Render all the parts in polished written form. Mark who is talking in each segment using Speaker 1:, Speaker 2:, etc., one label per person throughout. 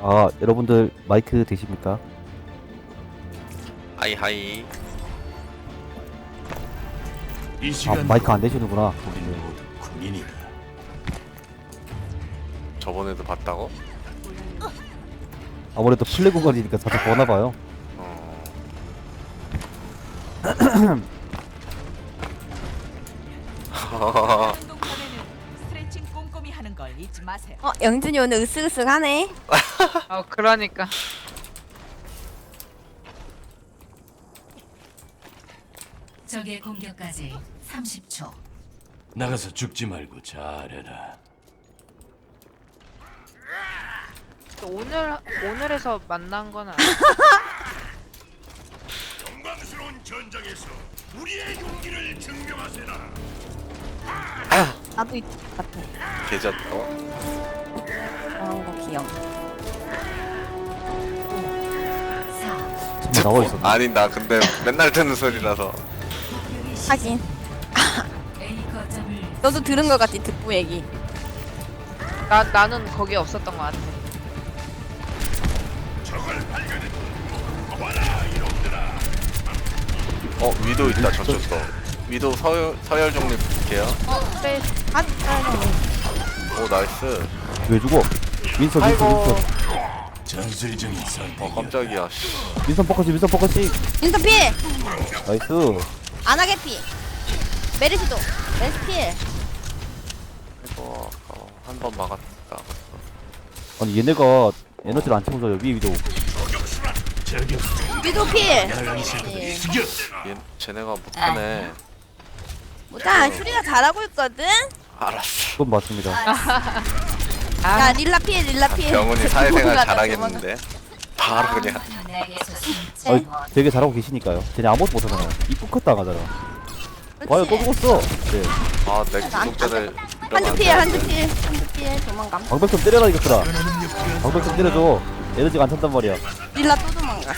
Speaker 1: 아, 여러분들 마이크 되십니까?
Speaker 2: 하이하이.
Speaker 3: 이
Speaker 1: 아,
Speaker 3: 시간
Speaker 1: 마이크 안 되시는구나.
Speaker 3: 우리 모두 군인이다.
Speaker 2: 저번에도 봤다고?
Speaker 1: 아무래도 플레이 구간이니까 자주 보나봐요.
Speaker 2: 어.
Speaker 4: 운동하면은 스트레칭 꼼꼼히 하는 걸 잊지 마세요.
Speaker 5: 영준이 오늘 으쓱으쓱하네.
Speaker 6: 그러니까.
Speaker 7: 적의 공격까지 30초.
Speaker 3: 나가서 죽지 말고 잘해라.
Speaker 6: 오늘에서 만난 건 아니야.
Speaker 3: 영광스러운 전장에서 우리의 용기를 증명하세라.
Speaker 5: 나도 이 같아.
Speaker 2: 계좌
Speaker 5: 그런 거 귀여워.
Speaker 7: 4,
Speaker 1: 정말 나와 있었네.
Speaker 2: 아니 나 근데 맨날 듣는 소리라서.
Speaker 5: 하긴.
Speaker 7: A 거점을
Speaker 5: 너도 들은 거 같지 듣부 얘기.
Speaker 6: 나는 거기 없었던 것 같아.
Speaker 2: 위도 있다 저쪽도. 위도 서열 정리 볼게요.
Speaker 6: 그래.
Speaker 2: 오 나이스.
Speaker 1: 왜 죽어? 민선,
Speaker 2: 아이고.
Speaker 3: 전술적인 선택.
Speaker 2: 깜짝이야. 씨.
Speaker 1: 민선 포커싱, 민선 포커싱.
Speaker 5: 인턴 필.
Speaker 1: 나이스.
Speaker 5: 안하게 필. 메르시도. 메르시 필.
Speaker 2: 이거 한번 막았다.
Speaker 1: 아니, 얘네가 에너지를 안 채워줘요. 위에 위도.
Speaker 3: 저격
Speaker 5: 위도 필.
Speaker 3: 나가기 싫거든. 죽여.
Speaker 2: 쟤네가 못하네.
Speaker 5: 뭐다 슈리가 잘하고 있거든.
Speaker 2: 알았어.
Speaker 1: 그건 맞습니다.
Speaker 5: 야 릴라 필 릴라 필.
Speaker 2: 병훈이 사회생활
Speaker 5: 도망가자,
Speaker 2: 잘하겠는데. 바로 그냥.
Speaker 7: 내게서
Speaker 1: 아니, 되게 잘하고 계시니까요. 쟤네 아무것도 못하잖아요. 입국 컷 당하잖아. 와요, 또 죽었어. 네.
Speaker 2: 내 구독자들
Speaker 5: 한두 필 한두 필 한두 필 도망감.
Speaker 1: 방벽 좀 때려라, 이것들아. 방벽 좀 때려줘. 에너지가 안 찬단 말이야.
Speaker 5: 릴라 또 도망가.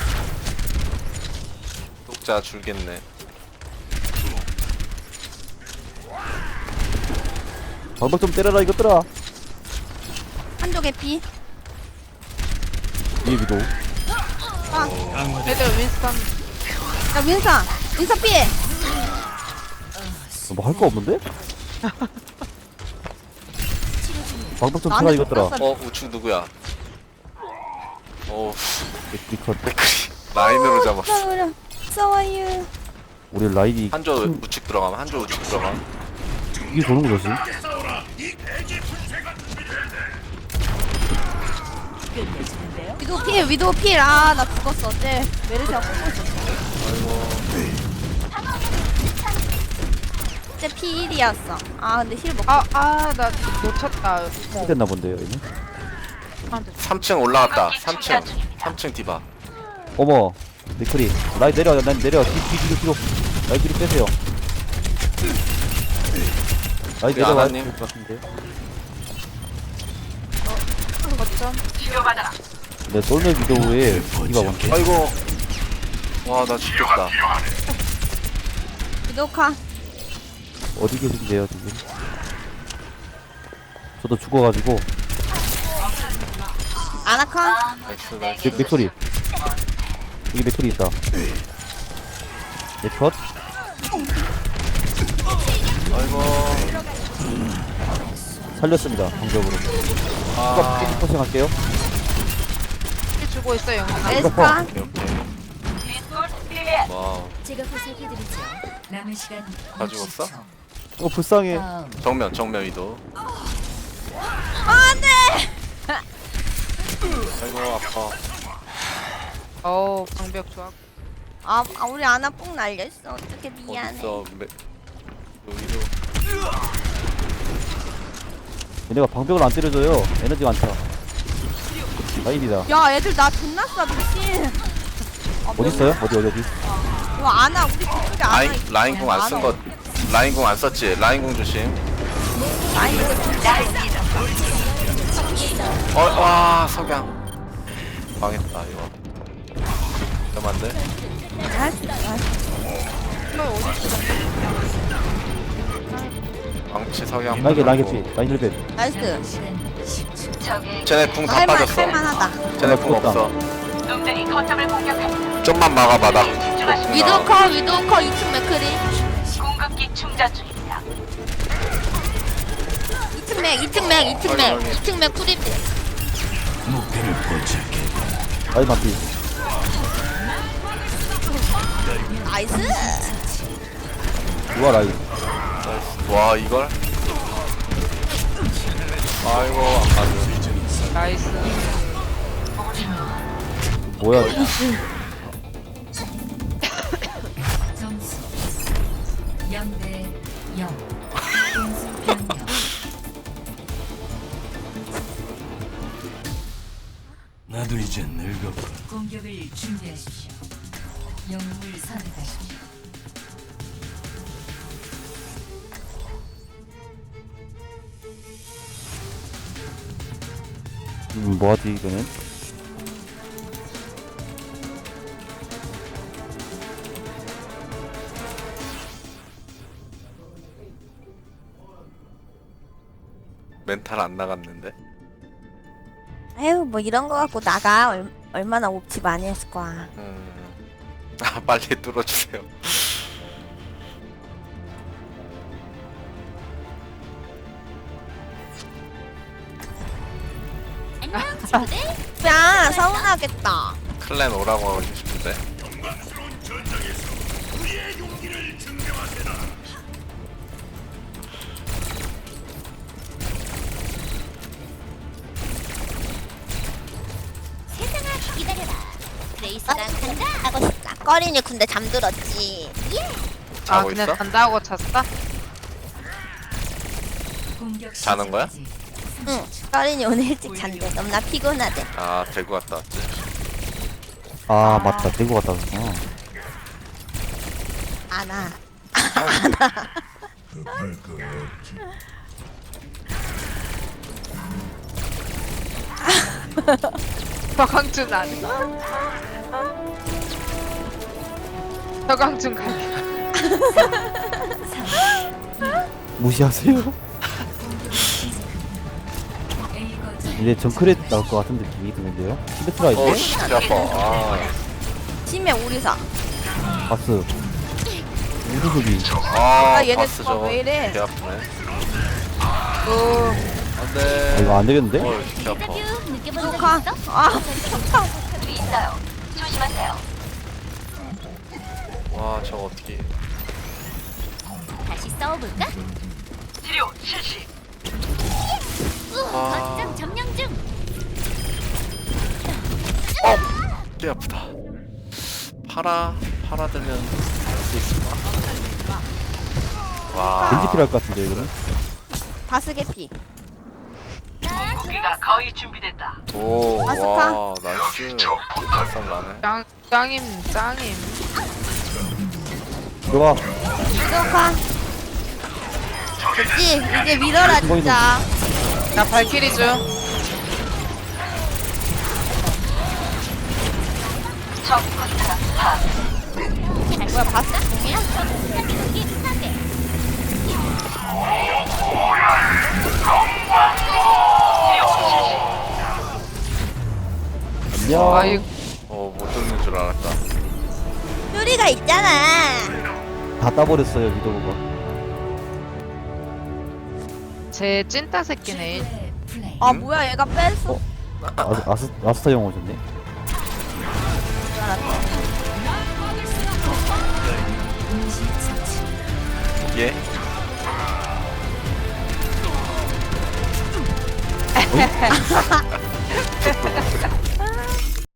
Speaker 2: 구독자 줄겠네.
Speaker 1: 방벽 좀 때려라, 이것들아.
Speaker 5: 한쪽에 피.
Speaker 1: 위에 위도.
Speaker 6: 애들 윈스턴.
Speaker 5: 야 윈선 윈선 필.
Speaker 1: 뭐 할 거 없는데? 방벽 좀 쳐라,
Speaker 5: 나한테
Speaker 1: 이것들아.
Speaker 5: 줬어.
Speaker 2: 우측 누구야?
Speaker 1: 이 컷.
Speaker 2: 라인으로 잡았어.
Speaker 5: 싸워요. 싸워요.
Speaker 1: 우리 라인이
Speaker 2: 한조 우측 들어가면 한조 우측 들어가면.
Speaker 1: 이게 도는 거지.
Speaker 4: 끝내주는데요.
Speaker 5: 위도 필 위도 필. 아 나 죽었어. 어째 메르시아 뽑고 있었어. 어째 필이었어. 아 근데 힐 먹고.
Speaker 6: 나 놓쳤다.
Speaker 1: 됐나 본데요, 얘는.
Speaker 2: 3층 올라갔다. 3층 디바.
Speaker 1: 어머, 니클이. 라인 내려, 난 내려. 뒤로. 라인 뒤로 빼세요. 라인 내려와.
Speaker 2: 아나님.
Speaker 1: 될것 같은데.
Speaker 6: 거점.
Speaker 1: 네, 솔메 비도우에 디바 원래.
Speaker 2: 아이고. 와 나 죽겠다.
Speaker 5: 위도카.
Speaker 1: 어디 계신데요, 지금? 저도 죽어가지고.
Speaker 5: 아나카.
Speaker 2: 나이스.
Speaker 1: 맥소리. 여기 맥소리 있다. 네, 컷.
Speaker 2: 아이고.
Speaker 1: 살렸습니다, 방벽으로.
Speaker 2: 아.
Speaker 1: 추가 포싱 할게요.
Speaker 6: 힐 주고 있어 영훈아.
Speaker 5: 에스카.
Speaker 2: 오케이. 와우.
Speaker 7: 제가 보살펴드리죠. 남은 시간
Speaker 2: 가지고 왔어?
Speaker 7: 60초.
Speaker 1: 불쌍해.
Speaker 7: 다음
Speaker 2: 정면 위도.
Speaker 5: 안돼.
Speaker 2: 아이고 아파.
Speaker 6: 방벽 좋아.
Speaker 5: 아 우리 아나 뽕 날렸어. 어떻게 미안해.
Speaker 2: 어딨어? 위도.
Speaker 1: 얘네가 방벽을 안 때려줘요. 에너지가 안 차. 라인이다.
Speaker 5: 야 애들 나 존나 쏴 미친.
Speaker 1: 어딨어요? 어디?
Speaker 5: 이거 아나 우리 그쪽에 아나 있어.
Speaker 2: 라인공 안 쓴 거. 라인공 안 썼지? 라인공 조심.
Speaker 5: 아니 이거
Speaker 2: 와 석양. 망했다 이거. 잠깐만 돼. 망치 석양.
Speaker 1: 라인 개피. 라인 힐벤.
Speaker 5: 나이스.
Speaker 7: 시간 10초.
Speaker 2: 쟤네 궁 다
Speaker 5: 할만
Speaker 2: 빠졌어.
Speaker 5: 할만하다.
Speaker 2: 쟤네 궁
Speaker 1: 없다.
Speaker 2: 없어.
Speaker 4: 놈들이 거점을 공격한다.
Speaker 2: 좀만 막아봐 나.
Speaker 5: 위도우 커 2층 맥크리.
Speaker 4: 공급기 충전 중입니다.
Speaker 5: 2층 맥 쿠리.
Speaker 3: 목표를 포착해.
Speaker 1: 아이 맞지.
Speaker 5: 나이스.
Speaker 1: 누가 라인.
Speaker 2: 와 이걸? 아이고 안 맞네.
Speaker 6: 나이스.
Speaker 1: 뭐야.
Speaker 7: 점수 0대 0. 공수 변경.
Speaker 3: 나도 이제 늙었고.
Speaker 7: 공격을 준비하십시오. 영웅을 선택하십시오.
Speaker 1: 뭐하지 이거는?
Speaker 2: 멘탈 안 나갔는데.
Speaker 5: 에휴 뭐 이런 거 갖고 나가 얼마나 옵치 많이 했을 거야.
Speaker 2: 아 빨리 뚫어주세요.
Speaker 5: 야 서운하겠다.
Speaker 2: 클랜 오라고 하고 싶은데.
Speaker 3: 영광스러운 전장에서 우리의 용기를 증명하세라.
Speaker 5: 레이스랑 간다 하고 싶다. 꺼린이 근데 잠들었지.
Speaker 6: 아
Speaker 2: 자고
Speaker 6: 그냥
Speaker 2: 있어?
Speaker 6: 잔다고 잤어?
Speaker 7: 공격
Speaker 2: 자는 거야?
Speaker 7: 시작까지
Speaker 5: 응. 꺼린이 오늘 일찍 잔대. 너무나 피곤하대.
Speaker 2: 아 대구 갔다 왔지.
Speaker 1: 아 맞다. 대구 갔다 왔구나.
Speaker 5: 안아.
Speaker 3: 급할 거 없지.
Speaker 6: 서강준 안 해. 서강준 갈게.
Speaker 1: 무시하세요.
Speaker 7: A 거점
Speaker 1: 이제 정크렛 나올 것 같은 느낌이 드는데요. 시메트라
Speaker 2: 어
Speaker 1: 이제
Speaker 2: 씨 아파. 아,
Speaker 5: 팀에 오리사.
Speaker 1: 바스. 우수수비.
Speaker 2: 아
Speaker 5: 얘네
Speaker 2: 바스
Speaker 5: 조합
Speaker 2: 저거
Speaker 5: 왜 이래?
Speaker 2: 개 아프네.
Speaker 6: 오.
Speaker 1: 아,
Speaker 2: 안돼.
Speaker 1: 이거 안 되겠는데?
Speaker 2: 개 아파.
Speaker 5: 녹화. 아
Speaker 2: 와 저거 어떻게?
Speaker 8: 다시 싸워볼까?
Speaker 4: 치료 실시.
Speaker 2: 아,
Speaker 8: 거점 점령 중.
Speaker 2: 개 아프다. 팔아 들면 할수 있을까? 와.
Speaker 1: 왠지 필요할 것 같은데 이거는.
Speaker 5: 바스개피.
Speaker 4: 공기가 거의 준비됐다.
Speaker 2: 오,
Speaker 5: 아스카.
Speaker 2: 와, 나이스. 발상 나네.
Speaker 6: 짱임 짱임.
Speaker 1: 들어와.
Speaker 5: 녹화. 됐지? 이제 믿어라 진짜.
Speaker 6: 나 발키리 중.
Speaker 5: 뭐야 바스?
Speaker 1: 안녕.
Speaker 6: 아이
Speaker 2: 못 듣는 줄 알았다.
Speaker 5: 뚜리가 있잖아.
Speaker 1: 다 따버렸어요 위도우가.
Speaker 6: 제 찐따 새끼네.
Speaker 7: 최고의 플레이.
Speaker 5: 아 뭐야 얘가 뺐어.
Speaker 1: 아스타 형 오셨네.
Speaker 7: 동시 처치.
Speaker 2: 예?